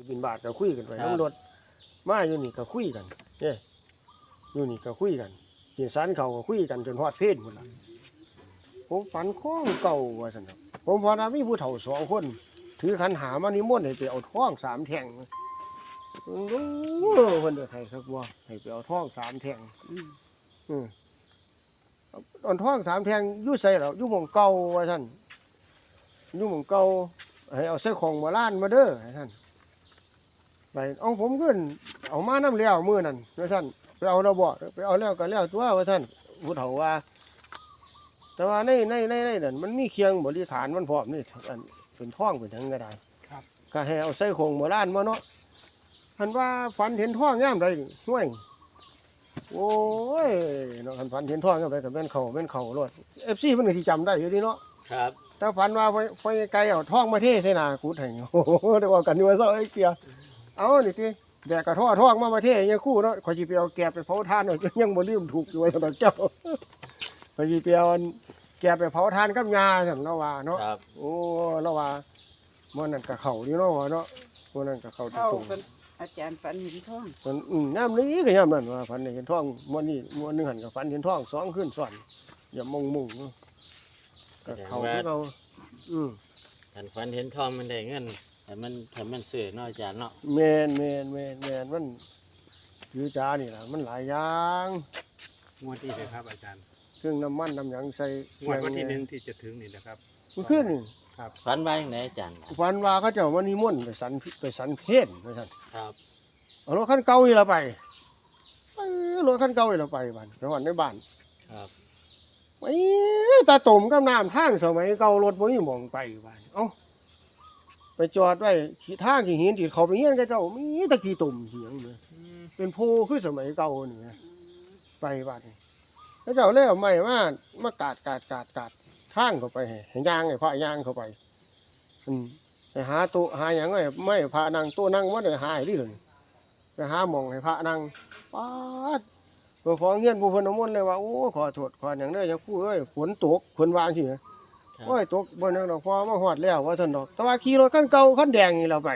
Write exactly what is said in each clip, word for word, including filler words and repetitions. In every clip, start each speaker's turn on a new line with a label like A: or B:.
A: บินบาทก็คุยกันไปน้ำรถมาอยู่นี่ก็คุยกันเนี่ยอยู่นี่ก็คุยกันเหี่ยสันเขาก็คุยกันจนฮอดเพศหมดละผมฝันข้องเก่าว่าสันครับผมพอนะมีผู้เฒ่าสองคนถือขันหามานิมนต์ให้ไปเอาท้องสามแท่งโอ้คนเดือดไทยครับว่าให้ไปเอาท้องสามแท่งอืมเอาท้องสามแท่งยุ่ใส่แล้วยุ่หมองเก่าว่าสันยุ่หมองเก่าให้เอาใส่ของมาล้านมาเด้อให้ท่านไปเอาผมขึ้นเอามาน้ำเลี้ยวมือนั่นว่าท่านไปเอาเราบ่ไปเอาแล้วก็แล้วตัวว่าท่านผู้เฒ่าว่าแต่ว่าในในในในนั่นมันมีเคียงบริขารมันพร้อมนี่อันเป็นท่องเป็นทั้งก็ได้ก็ให้เอาใส่ของมาล้านมาเนาะท่านว่าฝันเห็นท่องย่ามใดห่วยโอ้ยเนาะท่านฝันเห็นท่องย่ามใดกับแม่นเข่าแม่นเข่ารถเอฟซีมันก็ที่จำได้อยู่ดีเนาะ
B: ครับ
A: ถ้าฝันว่าไปไปไกลเอาท่องมาเทใส่หน้ากูให้โอ้โหได้ว่ากันอยู่ว่าเศร้าไอ้เกียเอานี่ทีแดกกระท่อท่องมามาเทยังคู่เนาะข่อยสิไปเอาแกบไปเผาทานเนาะยังบ่ลืมถูกอยู่ว่าซั่นเจ้าข่อยสิไปเอาแกบไปเผาทานกับยาซั่นเนาะว่าเนาะโอ้เราว่ามื้อนั้นก็เข้าอยู่เนาะว่าเนาะมื้อนั้นก็เข้าตรงๆ
C: อาจารย์ฝันเห็นท้อง
A: มันอืมยามนี้ก็ยามนั้นว่าฝันเห็นท่องมื้อนี้มื้อนึงหั่นก็ฝันเห็นท่องสองคืนซ้อนอย่ามงมุงก็เข้าที่เราอืม
B: อันฝันเห็นทองมันได้เงินแต่มันแต่มันซื้อเนาะอาจารย์เนาะ
A: แมนแมนแมนแมนมันยื้อจ้านี่แหละมันหลายอย่าง
D: งวดที่เลยครับอาจารย์
A: เครื่องน้ำมันน้ำหยังใส่
D: งวดวันที่หนึ่งที่จะถึงนี่นะครับ
A: มันขึ้นนี่
D: ครับ
B: ฝันว่าอย่างไรอาจารย์
A: ฝันว่าเขาเจ้ามานิมนต์ไปสันไปสันเพศนะท่าน
B: ครับ
A: เอารถคันเก่าอีเราไปรถคันเก่าอีเราไปบ้านไปวันในบ้าน
B: ครับ
A: ไอ้ตาตุ่มกับน้ำทางสมัยเก่ารถบ่มีหม่องไปบ้านเอ้าไปจอดไว้ขี่ทางขี่หินที่เขาไปเฮียนกับเจ้ามีตะกี้ตุ่มเหียงเลยเป็นโพคือสมัยเก่านี่นะไปบ้านแล้วเจ้าเล่เอาไม้มามากาดกาดกาดกาดทางเข้าไปให้ย่างให้พระย่างเข้าไปอืมไปหาตัวหาหยังไงไม่พระนั่งตัวนั่งว่าได้หายดิเลยไปหาหม่องให้พระนั่งป๊าดเพื่อขอเงี้ยนผู้เพิ่นน้ำมนต์เลยว่าโอ้ขอโทษขออย่างเด้ออย่าคู่เอ้ยฝนตกฝนวางสิโอ้ยตกบนนั้นดอกพอมาฮอดแล้วว่าซั่นดอกแต่ว่าขี่รถคันเก่าคันแดงนี่เราไป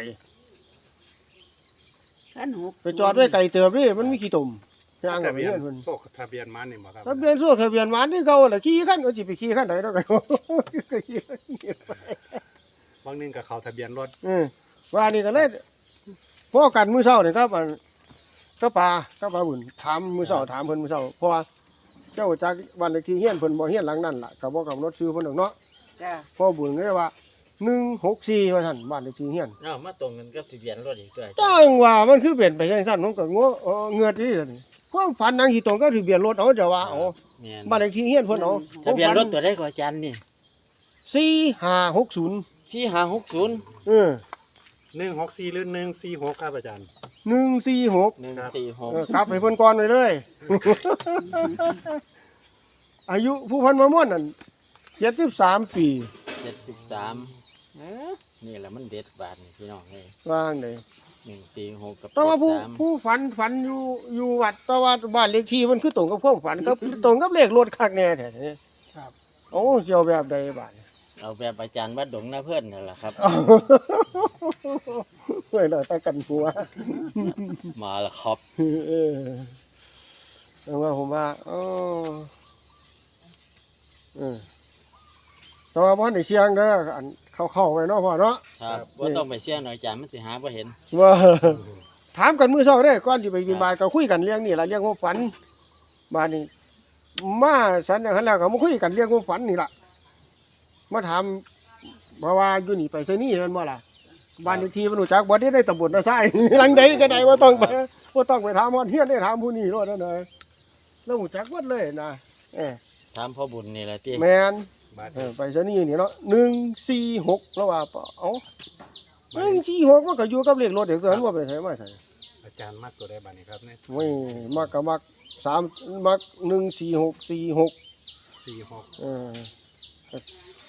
C: ขั้นหก
A: ไปจอดไว้ไกลเติบนี่มันมีขี้ตุ่มย่างกับ
D: ทะเบีย
A: เงี้
D: น
A: ยเพิ่น
D: โซ่ทะเบียนมันนี่บ่ครับ
A: ทะเบียนโซ่ทะเบียนหวานที่เก่าล่ะขี่คันก็สิไปขี่คันใดดอกก็ขี่ไป
D: บางนึงกับเขาทะเบียนรถ
A: อือว่านี่ก็เลยพอกันมื้อเช้านี่ครับอันก็ปลาก็ปลาบุญถามมื้อเช้าถามเพิ่นมื้อเช้าเพราะว่าเจ้าจากบ้านเลขที่เฮียนเพิ่นบ่เฮียนหลังนั้นล่ะก็บ่กำหนดชื่อเพิ่นดอกเนาะ
C: จ้า
A: พ่อบุญเลยว่าหนึ่งหกสี่ว่าซั่นบ้านเลขที่เฮียน
B: เนาะมาตรงกันกับทะเบียนรถอีกด้วย
A: จังว่ามันคือเป็นไปจังซั่นผมก็งงเงือดนี่ซั่นความฝันนางสิตรงกับทะเบียนรถเอาจะว่าเอาบ้านเลขที่เฮียนเพิ่นเอา
B: ทะเบียนรถตัวใดก็อาจารย์นี่
A: สี่ห้าหกศูนย์
B: สี่ห้าหกศูนย์
A: เออ
D: หนึ่งหกสี่หรือหนึ่งสี่หกครับอาจารย์
A: หนึ่งสี่หก
B: หนึ่งสี่หก
A: กลับให้เพิ่นก่อนไว้เลยอายุผู้เพิ่นมาม่วนนั่นเจ็ดสิบสามปี
B: เจ็ดสิบสามนี่แหละมันเด็ดบาทนี่พี่น้องนี่
A: ว่างเลย
B: หนึ่งสี่หกกับ
A: แต่ว่าผู้ผู้ฝันฝันอยู่อยู่วัดแต่ว่าบ้านเลขที่มันคือตรงกับความฝันก็ตรงกับเลขรถคักแน่แท้ครับโอ้เสียวแบบใดบาด
B: เอาแบบอาจารย์วัดดงนะเพื่อนนั่นแหละครับ
A: เฮ้ยเราตะกันหัว
B: มาแล้วครับ
A: เออแต่ว่าผมว่าเออเออแต่ว่าบ่ได้เสียงเด้ออันเข้าๆไว้เนาะพ่อเนาะ
B: ครับบ่ต้องไปเสี่ยงหน่อยอาจารย์มันสิหาบ่เห็น
A: ว่าถามกันมื้อเช้าเด้ก่อนสิไปบิณฑบาตก็คุยกันเรื่องนี้ล่ะเรื่องความฝันบาดนี้มาสันอย่างนั้นแล้วก็มาคุยกันเรื่องความฝันนี่ล่ะมาถามเพราะว่าอยู่นี่ไปไสนี่แม่นบ่ล่ะบ้านเลขที่มันรู้จักบ่ได้ในตำบลนาไซหลังใดก็ได้บ่ต้องไปบ่ต้องไปถามฮอดเฮียนได้ถามผู้นี้โลดนั่นน่ะแล้วรู้จักหมดเลยนะเอ้
B: ถามพ่อบุญนี่แหละติ
A: แม่นเออไปไสนี่นี่เนาะหนึ่งสี่หกแล้วว่าเอ้าหนึ่งสี่หกมันก็อยู่กับเลขรถเด็กตัวนั้นบ่ไปไสมาไส
D: อาจารย์มักตัวใดบัดนี้ครับเนี่ย
A: โอ้ยมักก็มักสามมักหนึ่งสี่หกสี่หก
D: สี่หก
A: เออ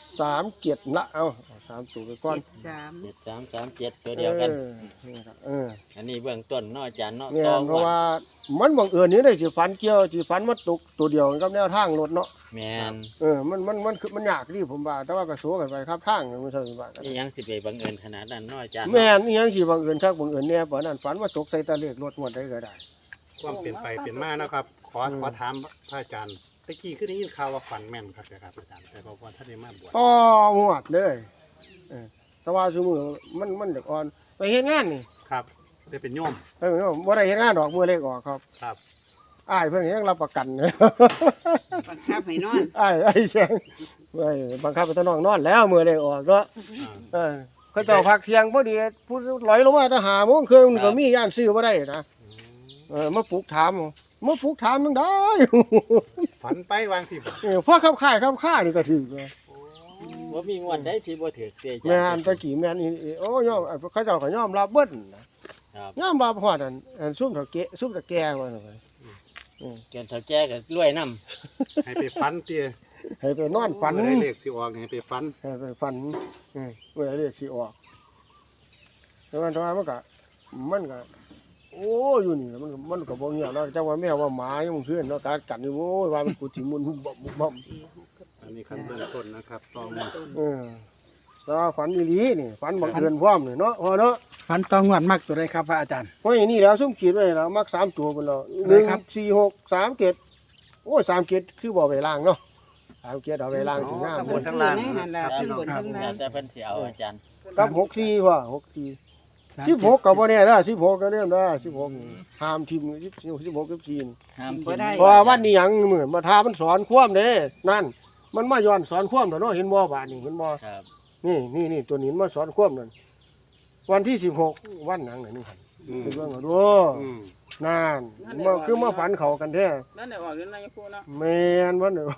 A: สามเกียรติละเอาเอาสามตัวไปก่อน
C: เจ็ดสาม
B: เจ็ดสามสามเจ็ดตัวเดียวกัน
A: เออนี่ครับเออ
B: อันนี้เบื้องต้นเนาะอาจารย์เนาะ
A: เนี่ย
B: ต่อ
A: เพราะว่ามันบังเอิญนี่ได้สิฝันเกี่ยวสิฝันมาตกตัวเดียวกับแนวทางรถเนาะ
B: แมน
A: เออมันมันมันคือมันยากดิผมว่าแต่ว่าก็สู้กันไปครับทางมันใช่ว่ากัน
B: นี่ยังสิไปบังเอิญขนาดนั้นเนาะอาจารย์
A: แม่นอีหยังสิบังเอิญคักบังเอิญแน่ปานนั้นฝันว่าตกใส่ตะเลขรถงวดได้ก็ได้
D: ความเปลี่ยนไปเปลี่ยนมานะครับ ขอ
A: อืม
D: ขอถามพระอาจารย์ตะกี้คือได้ยินข่าวว่าฝันแม่นครับนะครับอาจารย์แต่พอพอท่านได้มาบวช
A: อ๋อหวดเลยเออแต่ว่าซุมื้อมันมันเด็กอ่อนไปเฮ็ดงานนี่
D: ครับได้เป็นโยม
A: เออบ่ได้เฮ็ดงานดอกมื้อเลขออกครับ
D: ครับ
A: อ้ายเพิ่นยังรับประกันเลย
C: บังคับให้นอน
A: อ้ายอ้ายแซงเว้ยบังคับให้ตะน้องนอนแล้วมื้อเลขออกเนาะ
D: อ่า
A: เออเขาเจ้าพักเที่ยงพอดีผู้ลอยลงมาแต่หาโมงครึ่งก็มีย่านซื้อบ่ได้นะ
D: อืม
A: เออมาปลุกถามมาปลุกถามจังได้
D: ฝันไปวางที่บ่
A: เออพอขับค่ายขับค่านี่ก็ถือเลย
B: ว่ามีงวดได้ที่บ่ถือเสียอาจารย์
A: แม่นตะกี้แม่นอีอีโอ้ยอมเขาเจ้าก็ยอมรับเบิดนะครับ ยอมรับฮอดอันอันซุ่มเฒ่าแก่ซุ่มตะแก่ว่าซั่นไปเออ
B: เกินเท่าแก่ก็รวยนํ
D: ให้ไปฝันเตี้ย
A: ให้ไปนอนฝัน
D: เมื่อได้เลขสิออกให้ไปฝัน
A: ให้ไปฝันเออเมื่อเรียกสิออกแต่ว่าแต่ว่ามันก็มันก็โอ้อยู่นี่มันก็มันก็บ่เงียบเนาะจังว่าแมวว่าหมายังเพื่อนเนาะการกัดนี่โอ้ยว่ามันกูสิมุนหุบบ่บ่บ่
C: สี่หกกับ
D: อันนี้ขั้นเบื้องต้นนะครับตอง
C: เบื้องต้น
A: เออแต่ว่าฝันอีหลีนี่ฝันบังเอิญพร้อมนี่เนาะพอเนาะ
E: ฟันตองงวดมากตัวใดครับพระอาจารย์
A: เพราะอย่างนี้แล้วซุ่มขีดไว้แล้วมักสามตัวพุ่นแล้ว
E: อะไรครับ
A: หนึ่ง สี่ หก สาม เจ็ดโอ้ยสามเจ็ดคือบ่ไว้ล่างเนาะสามเจ็ดเอาไว้ล่างสิงาม
C: บนข้างล่างนี่หันละขึ้นบนข้างล่าง
B: แต่เพิ่นสิเอาอาจารย์
A: กับหกสี่ว่าหกสี่ สิบหกก็บ่แน่เด้อสิบหกก็เริ่มเด้อสิบหกนี่ห้ามทิมสิบสิบหก สิบสี่นี่
B: ห้าม
C: บ่
B: ทิ้ง
C: ได้
A: เพราะว่าวันนี้หยังเหมือนมาทามันสอนความเด้นั่น มันมาย้อนสอนความเด้อเนาะเห็นบ่บาดนี้เห็นบ่
B: ครับ
A: นี่นี่นี่ตัวนี้มันมาสอนความนั่นวันที่สิบหกวันหนังน่ะนี่หั่น
D: อืม
A: เป็นเรื่องเอาดู
D: อืม
A: นั่นมาคือมาฝันเขากันแท้
F: นั่นได้ออกเดือนนายพูเนาะ
A: แม่นวันเด้อ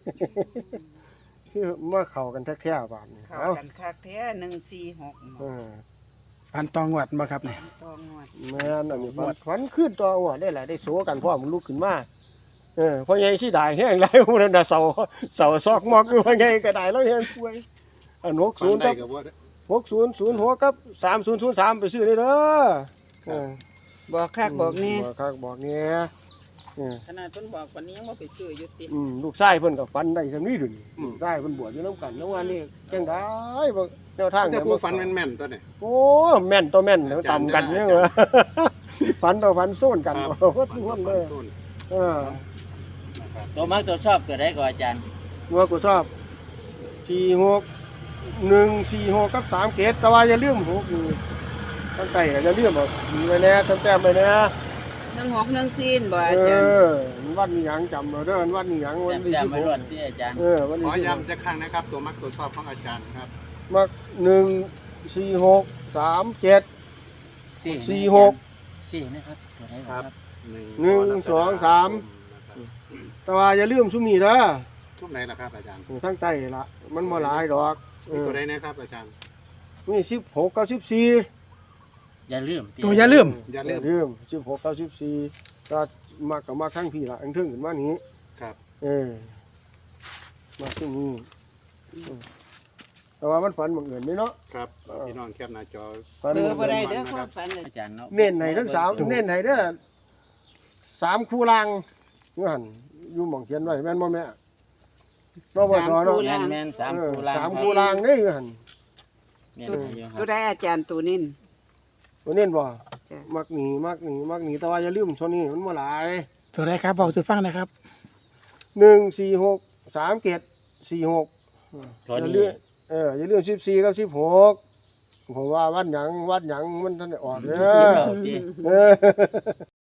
A: คือมาเข้ากันแท้ๆบาดนี้
C: เข้า
A: เอ้า
C: กันคักแท้หนึ่งสี่หก
A: เออ
E: ฟันตองงวดมาครับเนี่ย
C: ตองงวด
A: แม่นอันนี้ฝันฝันขึ้นตัวหัวได้แหละได้โสกันพร้อมลุกขึ้นมาเออเพราะใหญ่สิได้แห้งหลายผู้นั้นน่ะเสาเสาซอกมอกอยู่ว่าไงก็ได้แล้วแห้งป่วยอันหก
D: ฝั
A: ศู
D: น
A: นย์
D: ได้
A: กับ
D: กับว่า
A: หกศูนย์ศูนย์หกกับสามศูนย์ศูนย์สามไปซื้อได้เด้อเออ
C: บอกคักบอกนี่
A: บอกคักบอกเนี่ยเออ
F: ขนาดเพิ่นบอกวันนี้ยังบ่ไปซื้ออยู่ติ
A: อืมลูกชายเพิ่นก็ฝันได้ซำนี้ดุนลูกชายเพิ่นบวชอยู่นํกันแล้วว่านี่จังได๋บ่แนวทาง
D: แต่
A: เย
D: ผู้ฝันแม่นๆตัวเนี่ย
A: โอ้แม่นตัวแม่นแล้วต่ำกันเนี่ยเหรอฝันต่อฝันโซนกัน
D: ครับ
A: โอ้โหทุกคนเลย
D: ต้น
A: เออ
D: นะครับ
B: ตัวมักตัวชอบตัวใดก็อาจารย์
A: ว่ากูชอบสี่หกหนึ่งสี่หกกับสามเกตแต่ว่าอย่าลืมหกนี่ตั้งแต่ก็อย่าลืมบอกมีไว้แน่ตั้งแต่ไปแน่
C: หนึ่งหกหนึ่งจีนบ่
A: เอ
C: อาจารย์
A: อวันนี้ยังจำเราเด้อวันนี้ยังวั
B: แต้
A: น
B: ม
A: ที่
B: แต้ม
A: สิบ
B: ไม่
A: ห
B: ร
A: ก
B: อดที่อาจารย์
A: เออวัน
D: ข
A: ที่
D: อ
A: สิบหก
D: ย้ำจะครั้งนะครับ ตัวมักตัวชอบของอาจารย์ครับ
A: มักหนึ่งสี่หกสามเจ็ด สี่หก
B: สี่นะครับตัวใด
D: ครับ
A: หนึ่งสองสาม แต่ว่าอย่าลืมซุมนี้เด้อ
D: ทุกไหนล่ะครับอาจารย์
A: ทั้งใจละมันบ่หลายดอกเอ
D: มี
A: อ
D: ตัวใดนะครับอาจารย์
A: นี่สิบหกกับสิบสี่
B: อย่าลืม
E: ตัวอย่าลืม
D: อย่าลืม
A: ลืมสิบหกกับสิบสี่ก็มากกับมากทั้งพี่ละอันเทิงขึ้นมานี้
D: ครับ
A: เออมาที่นี่เออแต่ว่ามันฝันบังเอิญนี่เนาะ
D: ครับพี่น้องแคปหน้าจอ
A: ฝัน
C: เบอ
A: บั
C: ร์
A: ง
C: บ่
A: เอิ
C: ได้
A: ญ
C: เด้อความฝันเลย
B: อาจารย์เนาะ
A: เน้นให้ทั้งสามเน้นให้เด้อสามคู่ล่างเงื่อนอยู่หม่องเขียนไว้แม่นบ่แม่นบสเนาะ
B: แม่นแม่นสาม
A: เออ
B: คู่ล่าง
A: สามคู่ล่างนี่เงื่อน
B: แม่นอยู่ค
C: ตั
B: รั
C: ว
B: บ
C: ใดอาจารย์ตัวนี้
A: ตัวเน้นบ่
C: จ้ะ
A: มักหนีมักหนีมักหนีแต่ว่าอย่าลืมโซนี้มันบ่หลาย
E: ตัวใดครับบอกสุฟังนะครับ
A: หนึ่งสี่หกสามเกตสี่หก
B: ตัว
A: อย่า
B: นี้
A: ลืมเอออย่าลืมสิบสี่กับสิบหกผมว่าวัดหยังวัดหยังมันท่านได้ออกเด้อ
B: เอาที่
A: เออ